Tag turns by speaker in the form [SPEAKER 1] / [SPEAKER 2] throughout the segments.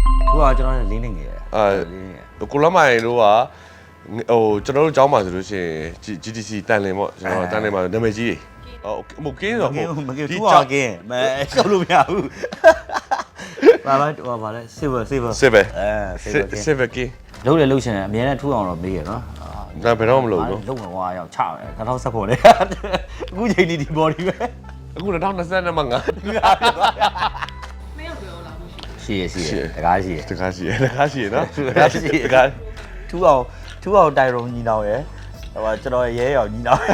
[SPEAKER 1] သူကကျွန်တော်လည်းလင်းနေငယ်
[SPEAKER 2] ကိုလမိုင်တို့ကကျွန်တော်တို့ကျောင်းမှာဆိုလို့ရှိရင် GTC တန်လင်ပေါ့ကျွန်တော်တန်လင်မှာနာမည်ကြီးတွေဟိုကင်းတော့
[SPEAKER 1] မကင်းသူကကင်းမရှောက်လို့မရဘူးဘာလဲ silver
[SPEAKER 2] ကင်း
[SPEAKER 1] လုံးလေလုံးရှင်အများနဲ့ထူအောင်တော့မေးရနော်
[SPEAKER 2] ဒါဘယ်တော့မလုပ်ဘူး
[SPEAKER 1] လုံးဝရောက်ချတယ်2010ပေါ်လေအခုချိန်ဒီ body ပဲ
[SPEAKER 2] အခု2020မှာငါ
[SPEAKER 3] မရောက်ပြောလာဘူး
[SPEAKER 1] ရှိရတကားရှိရ
[SPEAKER 2] နော်
[SPEAKER 1] ထူအောင်တိုင်ရုံညီနောင်ရယ်ဟိုကျွန်တော်ရဲရောင်ညီနောင်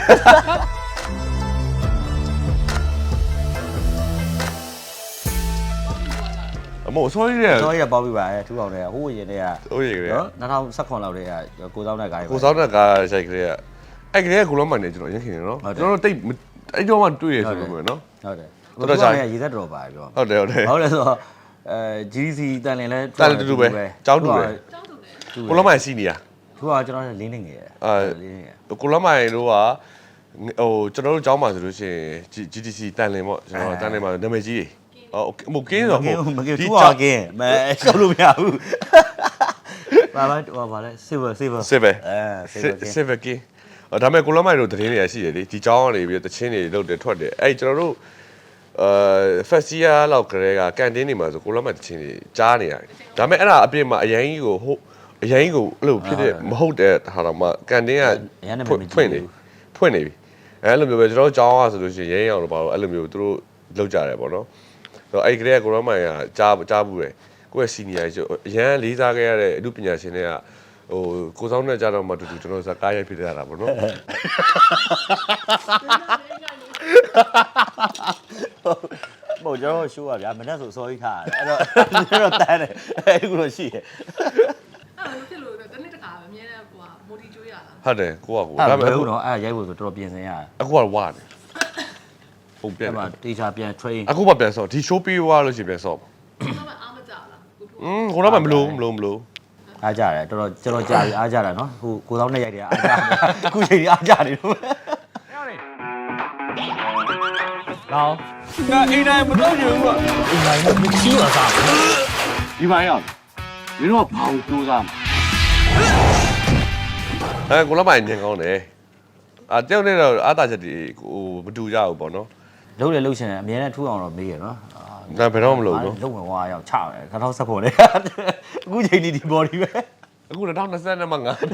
[SPEAKER 2] အမို့ဆောရီ
[SPEAKER 1] ရပေါက်ပြီးပါထူအောင်တွေကဟိုးရင်တွေကနော်2019လောက်တည်းကကိုစောင်းတဲ့ကား
[SPEAKER 2] ကိုစောင်းတဲ့ကားရိုက်ကလေးကအဲ့ကလေးကကိုလုံးမှန်နေကျွန်တော်ရခင်နေနော်ကျွန်တော်တိတ်အဲ့တော့မှတွေ့ရဆိုလို့မျိုးနော်
[SPEAKER 1] ဟုတ်တယ်တော်တော်ကြာရေသက်တော်ပါပြော
[SPEAKER 2] ဟုတ်တယ်
[SPEAKER 1] ဟုတ်လဲဆိုတော့GC တန်လင်လဲ
[SPEAKER 2] တန်လင်တူပဲကျောင်းတူပဲကိုလုံးမှန်ရှိနေရ
[SPEAKER 1] သူကကျွန်တော်လည်းလင်းနေငယ်
[SPEAKER 2] ကိုလုံးမှန်တို့ကကျွန်တော်တို့ကျောင်းမှာဆိုလို့ရှိရင် GTC တန်လင်ပေါ့ကျွန်တော်တန်လင်မှာနာမည်ကြီးတွေဟိုကင်းတော့
[SPEAKER 1] မကင်းသူကကင်းမရှောက်လို့မရဘူးဘာလဲ silver
[SPEAKER 2] ကင်းဒါပေမဲ့ကိုလမိုင်တို့တရင်တွေရှိတယ်လေဒီကျောင်းကနေပြီးတချင်းတွေလုတ်တယ်ထွက်တယ်အဲ့ကျွန်တော်တို့festival လောက်ကလေးကကန်တင်းနေမှာဆိုကိုလမိုင်တချင်းတွေကြားနေရတယ်ဒါပေမဲ့အဲ့ဒါအပြင်မှာအရင်ကြီးကိုအဲ့လိုဖြစ်တဲ့မဟုတ်တဲ့ဟာတော့မှကန်တင်းကဖွင့်နေပြီအဲ့လိုမျိုးပဲကျွန်တော်ကျောင်းကဆိုလို့ရှိရင်ရင်းအောင်လို့ပါတော့အဲ့လိုမျိုးသူတို့လုတ်ကြတယ်ပေါ့နော်ဆိုတော့အဲ့ကလေးကကိုလမိုင်ကကြားဘူးတယ်ကိုယ့်ရဲ့ senior ကြီးအရန်လေးစားခဲ့ရတဲ့အမှုပညာရှင်တွေကကိုစောင်းနဲ့ကြတော့မှတူကျွန်တော်စကားရိုက်ဖြစ်ရတာပေါ့နော်
[SPEAKER 1] မို့ကျွန်တော်ရှိုးပါဗျာမနေ့ဆိုစောကြီးထားတယ်အဲ့တော့တန်းတယ်အဲ့ဒီလိုရှိတယ်
[SPEAKER 3] အဲ့လိုဖြစ်လို့တနေ့တခါအမြဲတမ်းမိုတီကျွေးရလား
[SPEAKER 2] ဟုတ်တယ်ကိုက
[SPEAKER 1] ဒါပေမဲ့ဟုတ်တော့အဲ့ရိုက်ဖို့ဆိုတော်တော်ပြင်ဆင်ရတယ်
[SPEAKER 2] အခုကဝါတယ်ဟုတ်ပြန်
[SPEAKER 1] အဲ့မှာတေချာပြန် train
[SPEAKER 2] အခုမှပြန်ဆော့ဒီ show ပြီးွားလို့ရှိရင်ပြန်ဆော့
[SPEAKER 3] ပါအားမကြလား
[SPEAKER 2] ကိုတော့မလို့
[SPEAKER 1] အားကြတယ်တော်တော်ကျွန်တော်ကြာပြီအားကြတာနော်ဟိုကိုသောင်းနဲ့ရိုက်တယ်အားကြတယ်အခုချိန်ကြီးအားကြနေလို့
[SPEAKER 4] 老，那一代不到人了，一代不听了啥？一般样，你说跑多少？
[SPEAKER 2] ကိုလည်းမညင်ကောင်းတယ်တယောက်နဲ့တော့အားတာချက်တွေမတူကြဘူးပေါ့နော်
[SPEAKER 1] လုံးလေလုံးရှင်အများနဲ့ထူအောင်တော့မေးရနော်
[SPEAKER 2] ဒါဘယ်တော့မလုပ်ဘူး
[SPEAKER 1] လုံးဝရောက်ချတယ်2010ပေါ်လေအခုချိန်ဒီ body ပဲ
[SPEAKER 2] အခု2020မှာငါ
[SPEAKER 3] ထိ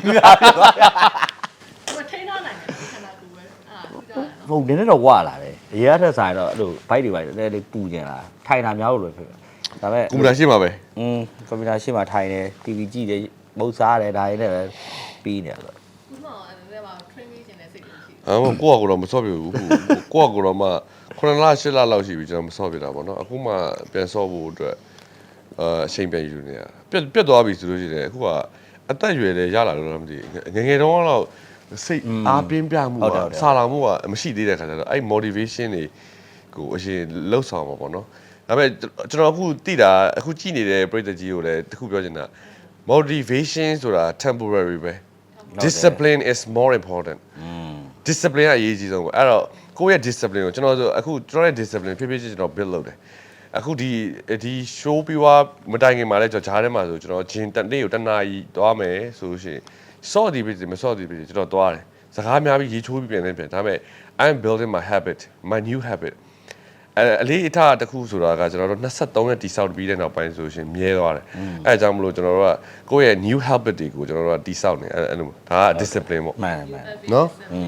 [SPEAKER 3] န်းထားနိုင်တယ်ခန္ဓာကိုယ်ပဲ
[SPEAKER 1] ဟုတ်နည်းနည်းတော့ဝလာတယ်အရေးအထက်ဆိုင်တော့အဲ့လို bike တွေပဲလေးပူကျင်လာထိုင်တာများလို့ဖြစ်ဒါပေမဲ့
[SPEAKER 2] ကွန်ပျူတာရှိမှာပဲ
[SPEAKER 1] ကွန်ပျူတာရှိမှာထိုင်တယ် TV ကြည့်တယ်မုတ်စားတယ်ဒါတွေနဲ့ပဲပြီးနေတယ်
[SPEAKER 3] ခုနကလည်းပါ train ပေးခြင်းနဲ့စိတ်လို့ရှိ
[SPEAKER 2] တယ်ကိုကတော့မစော့ပြဘူးကိုကတော့မှ9လ10လလောက်ရှိပြီကျွန်တော်မစော့ပြတာပေါ့နော်အခုမှပြန်စော့ဖို့အတွက်အချိန်ပြန်ယူနေရပြတ်သွားပြီဆိုလို့ရှိတယ်အခုကအသက်အရွယ်လည်းရလာလို့တော့မသိငယ်တုန်းကတော့စိတ်အားပြင်းပြမှုကစာလောင်မှုကမရှိသေးတဲ့ခါကျတော့အဲ့ motivation တွေကိုအရင်လှုပ်ဆောင်မှာပေါ့နော်ဒါပေမဲ့ကျွန်တော်အခုသိတာအခုကြည့်နေတဲ့ပရိသတ်ကြီးကိုလည်းတခုပြောချင်တာ motivation ဆိုတာ temporary ပဲ discipline is more important discipline ကအရေးကြီးဆုံးပဲအဲ့တော့ကိုယ့်ရဲ့ discipline ကိုကျွန်တော်ဆိုအခုကျွန်တော်ရဲ့ discipline ဖြည်းဖြည်းချင်းကျွန်တော် build လုပ်တယ်အခုဒီ show ပြီးွားမတိုင်ခင်မှာလဲကျွန်တော်ဂျားထဲမှာဆိုကျွန်တော်ဂျင်တစ်နေ့ကိုတစ်နာရီသွားမယ်ဆိုလို့ရှိရင်စော့ဒီပြီမစော့ဒီပြီကျွန်တော်သွားတယ်စကားများပြီးရေချိုးပြီးပြန်ဒါပေမဲ့ I'm building my habit my new habit အလေးအထားတစ်ခုဆိုတာကကျွန်တော်တို့23ရက်တိဆောက်ပြီးတဲ့နောက်ပိုင်းဆိုရှင်မြဲသွားတယ်အဲအကြောင်းမလို့ကျွန်တော်တို့ကကိုယ့်ရဲ့ new habit တွေကိုကျွန်တော်တို့ကတိဆောက်နေအဲ့လိုဒါက discipline ပေါ့
[SPEAKER 1] မှန်
[SPEAKER 2] နော်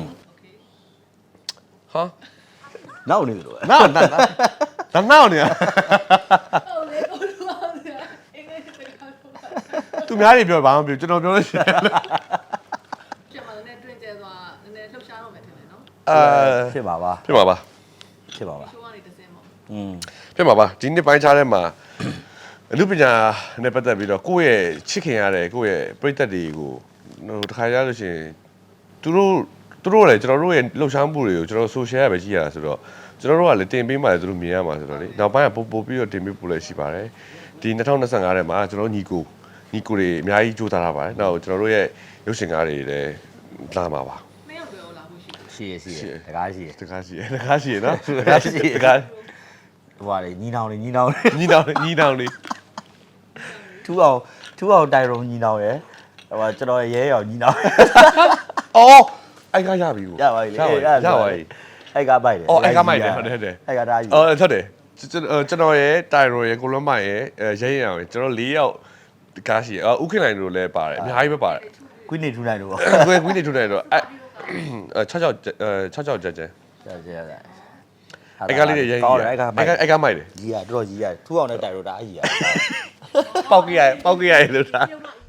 [SPEAKER 2] ဟာ
[SPEAKER 1] နောက်နေလို့
[SPEAKER 2] နောက်နေရ
[SPEAKER 3] ဟုတ်လေကိုလူပါဗျာအင်္ဂလိပ်စကားပြော
[SPEAKER 2] သူများတွေပြောဘာမှမပြောကျွန်တော်ပြောလို့ရှိတယ်
[SPEAKER 3] ပြန်มาလည်းတွင်ကျဲသွားနည်းနည်းလှုပ်ရှားတော့မယ်ထင်တယ်နော်
[SPEAKER 1] ဖြစ်ပါပါ
[SPEAKER 2] ဖြစ်ပါပါ
[SPEAKER 3] ရှိုးကနေတစ်စင်းပေါ့
[SPEAKER 2] ဖြစ်ပါပါဒီနှစ်ပိုင်းခြားထဲမှာအမှုပညာနဲ့ပတ်သက်ပြီးတော့ကိုယ့်ရဲ့ချစ်ခင်ရတဲ့ကိုယ့်ရဲ့ပရိသတ်တွေကိုတခါရလို့ရှိရင်သူတို့လည်းကျွန်တော်တို့ရဲ့လှုပ်ရှားမှုတွေကိုကျွန်တော် social ရပဲကြည့်ရတာဆိုတော့ကျွန်တော်တို့ကလည်းတင်ပေးမှလည်းသူတို့မြင်ရမှာဆိုတော့လေနောက်ပိုင်းကပို့ပြီးတော့တင်ပေးဖို့လည်းရှိပါတယ်ဒီ2025ထဲမှာကျွန်တော်ညီကိုတွေအများကြီးကြိုးစားထားပါတယ်နောက်ကျွန်တော်တို့ရဲ့ရုပ်ရှင်ကားတွေလည်းလာမှာပါ
[SPEAKER 3] မင်းပြောလာဖို့
[SPEAKER 1] ရှိရတကားရှိ
[SPEAKER 2] နော်တကားရှိနော်
[SPEAKER 1] တကားရှိဟိုဟာလေညီနောင်လေးထူအောင်တိုင်ရုံညီနောင်ရယ်ဟိုကျွန်တော်ရဲရောင်ညီနောင်
[SPEAKER 2] အော်အိုက်ကရပြီကို
[SPEAKER 1] ရပါပြီလေ
[SPEAKER 2] ရပါပြီ
[SPEAKER 1] အိုက်ကပိုက်တယ်
[SPEAKER 2] အော်အိုက်ကမိုက်တယ်ဟုတ်တယ်ဟုတ်တယ်
[SPEAKER 1] အိုက်ကဒါကြီး
[SPEAKER 2] အော်ဟုတ်တယ်ကျွန်တော်ရဲ့တိုင်ရိုရဲ့ကိုလွမ်းမိုင်ရဲ့ရဲရင်အောင်ကျွန်တော်၄ယောက်ကားရှိဥခင်လိုက်တို့လည်းပါတယ်အများကြီးပဲပါတယ်
[SPEAKER 1] ကွီးနေထူနိုင်လို့ပေါ့
[SPEAKER 2] ကွင်းနေထုတ်တယ်တော့6ကြက်ကြက်
[SPEAKER 1] ရ
[SPEAKER 2] အိုက်ကလေးတွေရဲရင်အိုက်ကမိုက်တယ်
[SPEAKER 1] ကြီးရတော်တော်ကြီးရထူအောင်နဲ့တိုင်တော့ဒါကြီးရ
[SPEAKER 2] ပေါက်ကြရလို့ဒါ
[SPEAKER 3] ပြုံးတော့